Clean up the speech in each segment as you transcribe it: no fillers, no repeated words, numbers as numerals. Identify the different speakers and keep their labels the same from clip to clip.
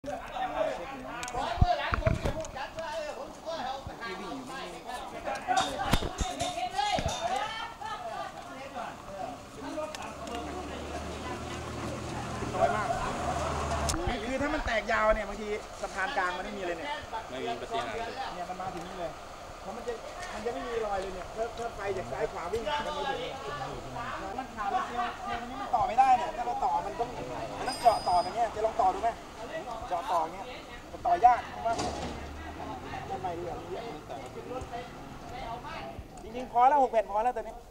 Speaker 1: คือถ้ามันแตกยาวเนี่ยบางทีสะพานกลางมันไม่มีเลยเนี่ย
Speaker 2: ไม่มีปฏิหารเลย
Speaker 1: เนี่ยมันมาถึงนี่เลยเพราะมันจะไม่มีรอยเลยเนี่ยถ้าไฟจากซ้ายขวาวิ่งมันไม่ถึงมันขาดแล้วเซลล์นี้มันต่อไม่ได้เนี่ยถ้าเราต่อมันต้องเจาะต่ออย่างเงี้ยจะลองต่อดูไหมเจาะต่ออย่างเงี้ยมันต่อยากเพราะว่าทำไมดีอ่ะจริงๆพอแล้ว6 แผ่นพอแล้วตอนนี้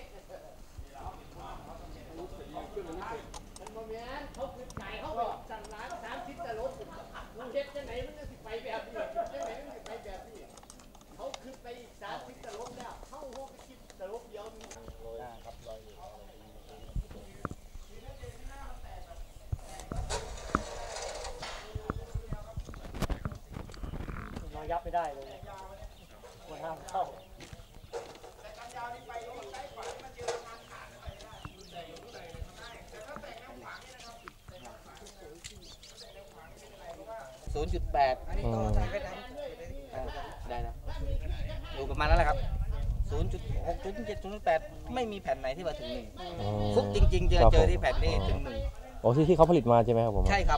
Speaker 3: เขาคือไก่เขาไปสั่งร้าน30แต่รถมึงเฮ็ดจังไหนมันจะสิไปแบบนี้จังไหนมันสิไปแบบนี้เขาคือไปอีก30แต่รถแล้วเข้าห้องไปคิดแต่รถเดียวมีทั้งครับรอยยับไม่ได้เลยมันห้ามเข้า
Speaker 4: 0.8 ได้นะอยู่ประมาณนั้นแหละครับ 0.6 0.7 0.8 ไม่มีแผ่นไหนที่มาถึง1ฟุกจริงๆเจอที่แผ่นนี้ถึง1
Speaker 5: โอ้ที่เขาผลิตมาใช่ไหมครับผม
Speaker 4: ใช่ครับ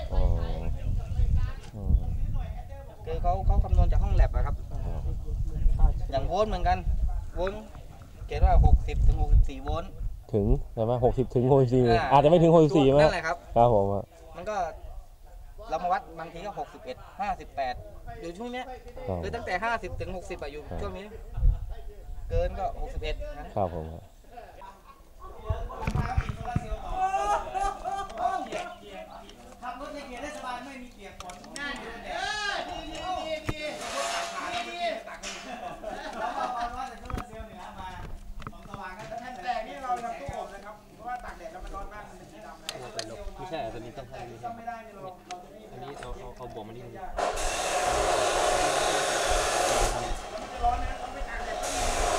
Speaker 4: คือเขาคำนวณจากห้องแลบอะครับอย่างโวลต์เหมือนกันโวลต์เขียนว่า60 ถึง 64 โวลต์
Speaker 5: ถึงใช่ไหม60 ถึง 64อาจจะไม่ถึง64ไหม
Speaker 4: นั่นแหละครับ
Speaker 5: ครับผม
Speaker 4: มันก็เรามาวัดบางทีก็61 58อยู่ช่วงนี้คือตั้งแต่50 ถึง 60อยู่ช่วงนี้เกินก็61นะครับ
Speaker 5: ผม
Speaker 3: ขับรถในเกียร์ได้สบายไม่มีเปียกฝนนั่นดีแล้วก็เอาว่าแต่โซลาร์เซลล์เหนือมาของสว่างกันท่านแต่นี่เราทำตู้อบนะครับเพราะว่าตากแดดแล้วมันร้อนมากมันเป็นสีดำเลย
Speaker 2: ไม่ใช่ตัวนี้ต้องให้
Speaker 3: ไม่ได้
Speaker 2: อันนี้เอาบวกมานี่
Speaker 3: ร้อนนะต้องไปตากแดด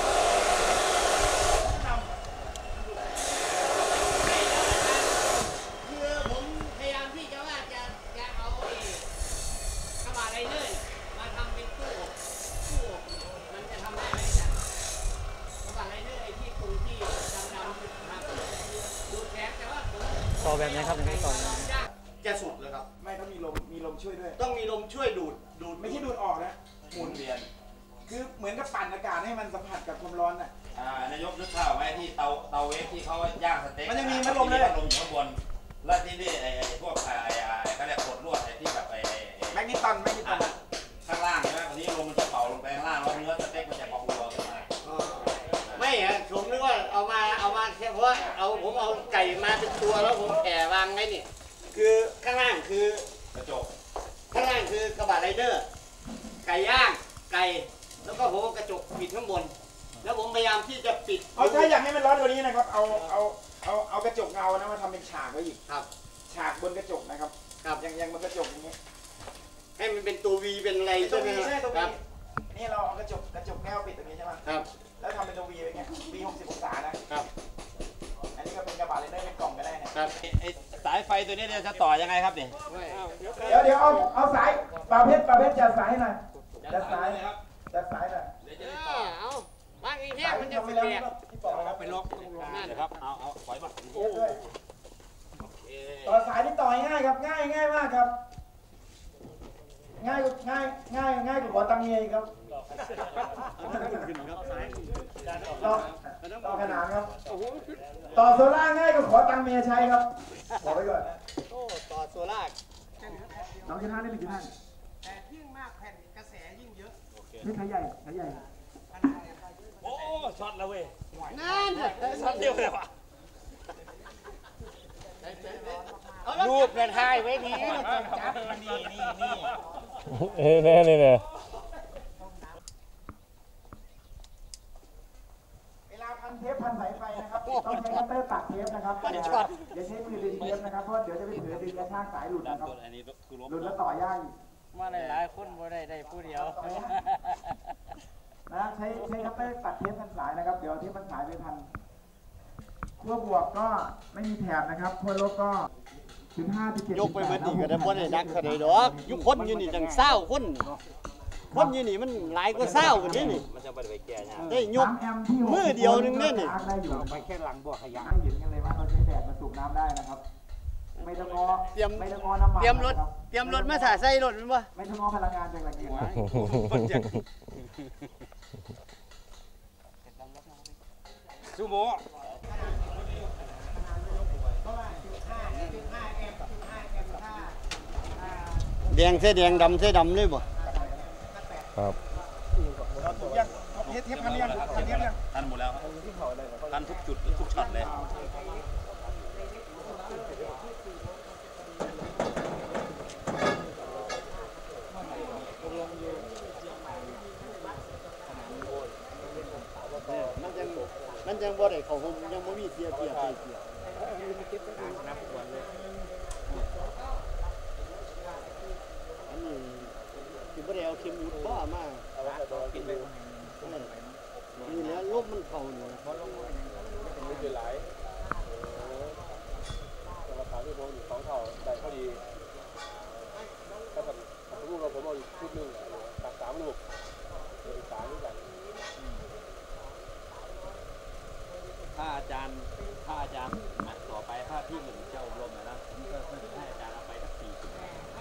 Speaker 3: คือผมพยายามที่จะว่าจะเอากระบะไรเนอร์มาทำเป็นตู้อบมันจะทำได้ไหมจ๊ะกระบะไรเนอร์ไอ้ที่ตรงที่ดำๆครับดูแข็งแต่ว่าผมต่อแบบนี้ครับในต่อจะสุดเลยครับ
Speaker 1: ไม่ต้องมีลมช่วยด้วย
Speaker 3: ต้องมีลมช่วยดูด
Speaker 1: ไม่ใช่ดูดออกนะหมุนเวียนคือเหมือนกับปั่นอากาศให้มันสัมผัสกับความร้อนน่ะ
Speaker 2: นายกนึกข้าวไหมที่เตาเวฟที่เขาย่างสเต็ก
Speaker 1: มันจะมีพัดลมเลย
Speaker 2: ลมอยู่ข้างบนแล้วที่นี่ไอ้พวกเขาเรียกกดลวดไอ้ที่แบบ
Speaker 1: แมกนีตัน
Speaker 2: ข้างล่างใช่ไหมวันนี้ลมมันจะเป่าลงไปข้างล่างแล้วเนื้อสเต็กมันจะพองตัวขึ้นมา
Speaker 3: ไม่ฮะผมนึกว่าเอามาแค่เพราะว่าผมเอาไก่มาเป็นตัวแล้วผมแผ่วางไว้นี่คือข้างล่างคือก
Speaker 2: ระจก
Speaker 3: ข้างล่างคือกระบะไรเดอร์ไก่ย่างไก่แล้วก็ผมกระจกปิดข้างบนแล้วผมพยายามที่จะปิด
Speaker 1: ถ้าอยากให้มันร้อนกว่านี้นะครับเอากระจกเงานะมาทำเป็นฉากไว้อีก
Speaker 3: ครับ
Speaker 1: ฉากบนกระจกนะครับอย่างบนกระจกอย่างนี้
Speaker 3: ให้มันเป็นตัววีเป็นอะไรใช่ไหมครับ
Speaker 1: นี่เราเอากระจกแก้วปิดตรงนี้ใช่ไหม
Speaker 3: ครับ
Speaker 1: แล้วทำเป็นตัววีไปเงี้ยวี60 องศานะครับอันนี้ก็เป็นกระบะเลยได้เป็นกล่องก็ได้นะครับ
Speaker 2: ไอ้สายไฟตัวนี้จะต่อยังไงครับเนี่ย
Speaker 1: เดี๋ยวเอาสายปลาเพชรจัดสายหน่อยจัดสายหน่อย
Speaker 3: เอาบ้านนี้แห้งมันจะเปียก
Speaker 2: เอาไปล็อกนั่นครับเอาปล่อยมา
Speaker 1: ต่อสายที่ต่อง่ายครับง่ายมากครับง่ายกว่าตังเงียครับต่อขนานครับต่อโซล่าง่ายกว่าขอตังเมียใช้ครับบอกไปก่อน
Speaker 3: ต่อโซล่า
Speaker 1: น้องจะท่านได้เป็นกี่ท่าน
Speaker 3: แต่ยิ่งมากแผ่นกระแสยิ่งเยอะ
Speaker 1: นี่ขายใหญ่
Speaker 2: โอ้ช็อตแล้วเว้ย
Speaker 3: นั่น
Speaker 2: ช็อตเดียวเลยวะ
Speaker 3: รูปกระทายไว้ดีนี่
Speaker 5: เนี่ย
Speaker 1: เวลาพันเทปพันสายไฟนะครับต้องใช้คัตเตอร์ตัดเทปนะครับอย่าใช้มือดึงเทปนะครับเพราะเดี๋ยวจะไปถือดึงกระชากสายหลุดนะครับหลุดแล้วต่อยาก
Speaker 3: มาหลายคนบ่ได้ผู้เดียว
Speaker 1: นะใช้คัตเตอร์ตัดเทปพันสายนะครับเดี๋ยวเทปพันสายไปพันขั้วบวกก็ไม่มีแถบนะครับขั้วลบก็
Speaker 6: ยกไปเบิดนี่ก็ได้บ่ได้นักเท่าใดดอกอยู่คนอยู่นี่จัง20คนคนอยู่นี่มันหลายกว่า20คนนี่
Speaker 2: มันจะไปแก่เนี่ย
Speaker 6: ได้ยกมือเดียวนึงนี่
Speaker 1: ไปแค่หลังบ่อขยะเห็นกันเลยว่าเราใช้แดดมาสูบน้ำได้นะครับไม่ต้องงอ
Speaker 6: เตรียม
Speaker 1: ไม่ต้องงอน้ำมัน
Speaker 6: เตรียมรถมาถ่าใส่รถแม่นบ่
Speaker 1: ไม่ต้องงอพลังงานจากแหล่งอื่น
Speaker 2: ซูโม่
Speaker 6: แดงใส่แดงดำใส่ดำเลยบ่
Speaker 5: ครับ
Speaker 1: ยังเทปพันยังพันเทปยัง
Speaker 2: ทันหมดแล้วทันทุกจุดทุกช็อตเลย
Speaker 6: มันยังบ่ได้เข้าห่มยังบ่มีเสียใส่เสียอันนี้สิบ่ได้เอาเข็มหมุดบ่มากินไปนี่แหละลมมันเข้านี่บ่ลมเป็นมือหลายราคาที่ผมอยู่2เท่าได้พอดีถ้าผมรู้ว่าผมเอาอีกชุดนึงตัก3ลูกอีก3นี่กัน
Speaker 2: ถ้าอาจารย์ต่อไปถ้าพี่หนึ่งจะอบรมนะผมก็ให้อาจารย์เอาไปสัก40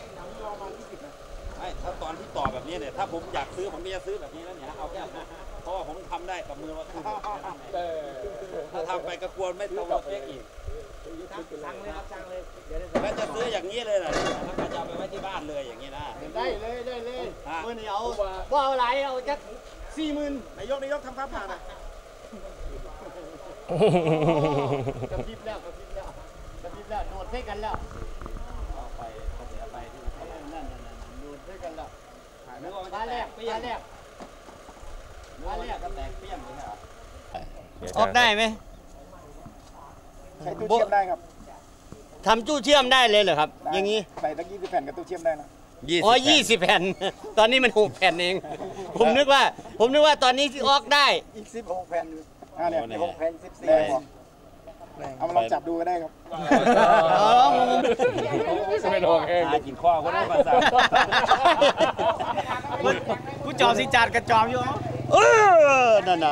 Speaker 2: ไม่ถ้าตอนที่ต่อแบบนี้เนี่ยถ้าผมอยากซื้อผมก็จะซื้อแบบนี้แล้วเนี่ยเอาแค่เพราะว่าผมทำได้กับมือว่าถ้าทำไปก็กลัวไม่ตรงกับเป๊กอีก
Speaker 3: สั่งเลยครับสั่งเลยเดี๋ยว
Speaker 2: แล้วจะซื้ออย่างนี้เลยนะแล้วก็จะเอาไปไว้ที่บ้านเลยอย่างนี้นะ
Speaker 6: ได้เลยมื้อนี้เอาบ่เอาหลายเอาจัก 40,000
Speaker 1: นายกทำฟ้าผ่าน่ะ
Speaker 6: กระพริบแล้วโดดใส่กันแล้ว
Speaker 2: เอาไปเสียไปที่
Speaker 6: นั่นโดดใส่กันแล้ว
Speaker 2: นึกว่ามัน
Speaker 6: มา
Speaker 2: จะแต
Speaker 6: แร
Speaker 2: ก
Speaker 6: ก
Speaker 2: เปี้ย
Speaker 6: มาง แรก
Speaker 2: นึกว่ามันจะแตกเปี้ยงเลยเหรอ
Speaker 6: ออกได้ไหม
Speaker 1: ใช้ตู้เชื่อมได้ครับ
Speaker 6: ทำตู้เชื่อมได้เลยเหรอครับ อย่างนี้
Speaker 1: ใส่ตะกี้คือแผ่นกับตู้เชื่อมได้นะ
Speaker 6: อ๋อ20 แผ่น ตอนนี้มัน6แผ่นเอง ผมนึกว่าตอนนี้ที่ออกได้
Speaker 1: อีก16แผ่นเนี่ย6แผ่น14แผ่นเอามาลองจับดูก็ได้ครับ
Speaker 5: ไม่โดนเอง
Speaker 2: กินข้อก็ได้ภาษา
Speaker 3: ผู้จอมสิจัดกระจอมอยู่
Speaker 6: นั่นน่ะ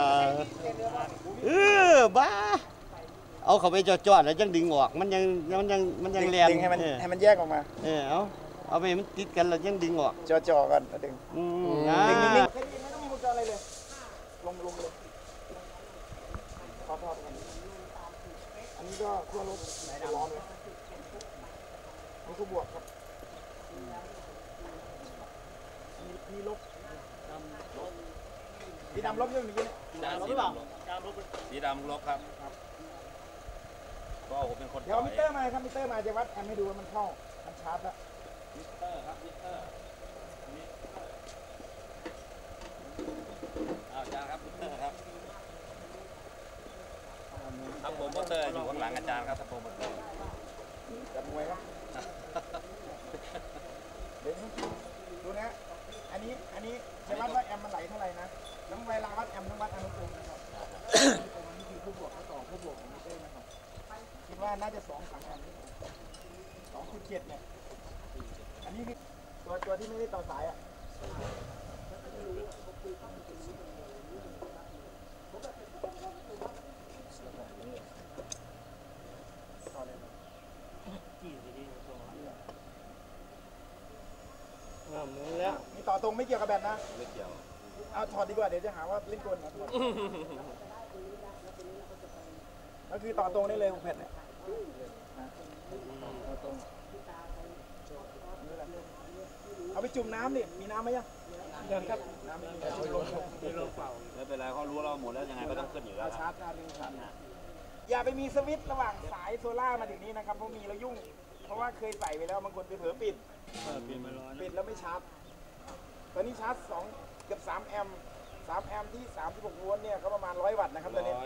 Speaker 6: บ้า เอาเข้าไปจอดๆแล้วจังดึงออก มันยังแรง
Speaker 1: ดึงให้มันแยกออกมา
Speaker 6: เอาไปมันติดกันแล้วยังดึงออก
Speaker 1: จ่อๆกันแล้วดึง
Speaker 6: ดึง
Speaker 1: นิ่งๆแค่นี้ไม่ต้องมีวงจรอะไรเลย ลงเลยทอดกันอันนี้ก็ขั้วลบร้อนเลยนี่ก็บวกครับมีลบสีดำลบยังเมื่อกี้เนี่ย
Speaker 2: สีดำลบครับก็ผมเป็นคน
Speaker 1: เดี๋ยวมิเตอร์มาครับมิเตอร์มาจะวัดแอมให้ดูว่ามันเข้ามันชาร์จแล้ว
Speaker 2: มิเตอร์ครับมิเตอร์อาจารย์ครับมิเตอร์ครับทัพโปรโมเตอร์อยู่ข้างหลังอาจารย์ครับทัพโปรโมเตอร์
Speaker 1: จับมวยครับเดี๋ยวดูนะอันนี้จะวัดว่าแอมมันไหลเท่าไหร่นะแล้วเวลาวัดแอมต้องวัดอนุกรมนะครับนี่คือผู้บวกต่อผู้บวกของมิเตอร์นะครับคิดว่าน่าจะ2-3แอม2.7เนี่ยอันนี้คือตัวที่ไม่ได้ต่อสายอ่ะมีต่อตรงไม่เกี่ยวกับแบตนะ
Speaker 2: ไม่เกี่ยว
Speaker 1: เอาถอดดีกว่าเดี๋ยวจะหาว่าเล่นกลนะก็คือต่อตรงได้เลยของแผ่นเนี่ยเอาไปจุ่มน้ำดิมีน้ำไหมยังครับน้ำไม่มีเอาลงเปล่า
Speaker 2: ไม่เป็นไรเขารู้เราหมดแล้วยังไงก็ต้องขึ้นอยู่แล้ว
Speaker 1: ชาร์จได้เลยครับอย่าไปมีสวิตช์ระหว่างสายโซล่ามาถึงนี้นะครับเพราะมีแล้วยุ่งเพราะว่าเคยใส่ไปแล้วบางคนไปเผลอปิดแล้วไม่ชาร์จตอนนี้ชาร์จเกือบ3 แอมป์ที่36โวลต์เนี่ยก็ประมาณ100 วัตต์นะครับตอนนี้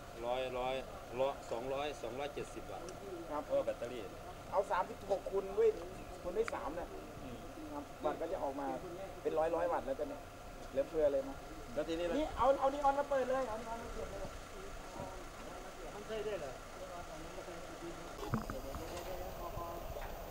Speaker 2: 270 วัตต์ครับเพราะแบตเตอรี่
Speaker 1: เอา36คูณด้วย3เนี่ยครับวัตต์ก็จะออกมาเป็นร้อยวัตต์แล้วกันเนี่ยเหลือเฟือเลยนะ
Speaker 2: แล้วทีนี้
Speaker 1: นี่เอานีออนมาเปิดเลยเอานีออนมาเปิดเลยมันใช่ได้เหรอ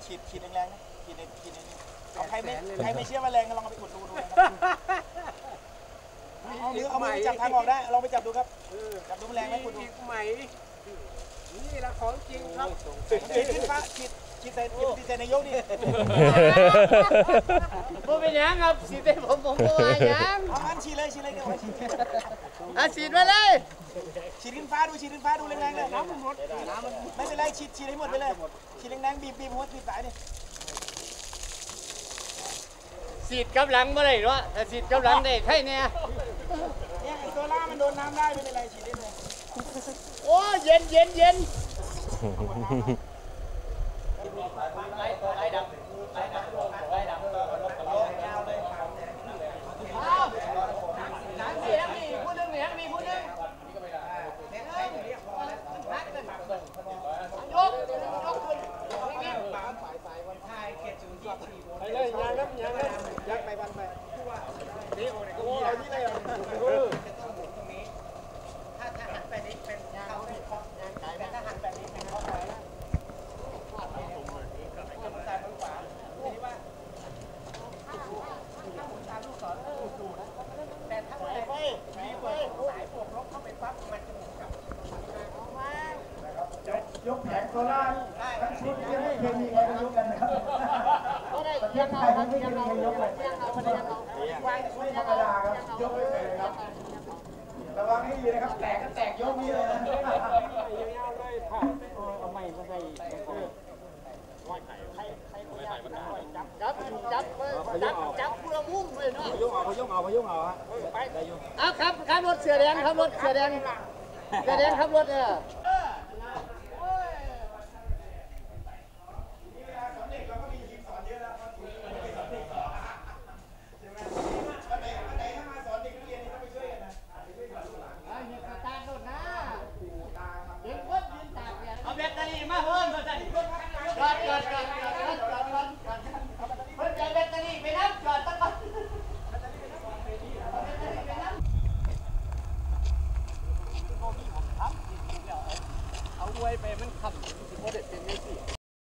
Speaker 1: ขีดแรงๆนะขีดนี่เอาใครไม่เชื่อว่าแรงก็ลองเอาไปอุดดูนะครับเอามือจับทางออกได้ลองไปจับดูครับจับดูแรงไหมอุดดูใหม่นี่ละของจริงครับขีดขึ้นฟ้าขีดใส่นายกนี่
Speaker 3: บ่เป็นหยังครับสีเต้ผมบ่ว่าหยัง
Speaker 1: เอาอันฉีดเลยเดี๋ยว
Speaker 3: ฉีดมาเลย
Speaker 1: ฉีดขึ้นฟ้าดูแรงๆเลยน้ำมันหมดไม่เป็นไรฉีดให้หมดไปเลยฉีดแรงๆบีบหัวบีบสายนี่
Speaker 3: ฉีดกำลังบ่ได้เนาะถ้าฉีดกำลังได้ใครเนี่ย
Speaker 1: เนี่ยไอ้โซล่ามันโดนน้ำได้ไม่เป็นไรฉีดได้เลย
Speaker 3: โอ้เย็นพูดเรื่องนี้มีพูดเรื่องยกขึ้น
Speaker 1: ไปเลยยางยักไปวันไปนี่โอ้ยก็เอาที่เลยถ้าหันไปนี้เป็นเขาเนี่ยแต่ถ้าหันแบบนี้เป็นเขาไหนนะซ้ายมือขวาทีนี้ว่าถ้าหมุนตามลูกศรดูนะแต่ถ้าไปสายบวกลบเข้าไปปั๊บมันจะหมุนกลับยกแผงโซล่าทั้งชุดยังไม่เคยมีใครยกกันนะครับประเทศไทยไม่เคยมีใครยกเลยวางชุดธรรมดาครับยกไม่เคยครับระวังให้ดีนะครับแตกก็แตกยกนี่เลยนะ
Speaker 3: จับผู้ละมุมเลยเนาะ
Speaker 1: เขายกเอาฮะไป
Speaker 3: เอาครับรถเสือแดงครับรถเสือแดงขับรถ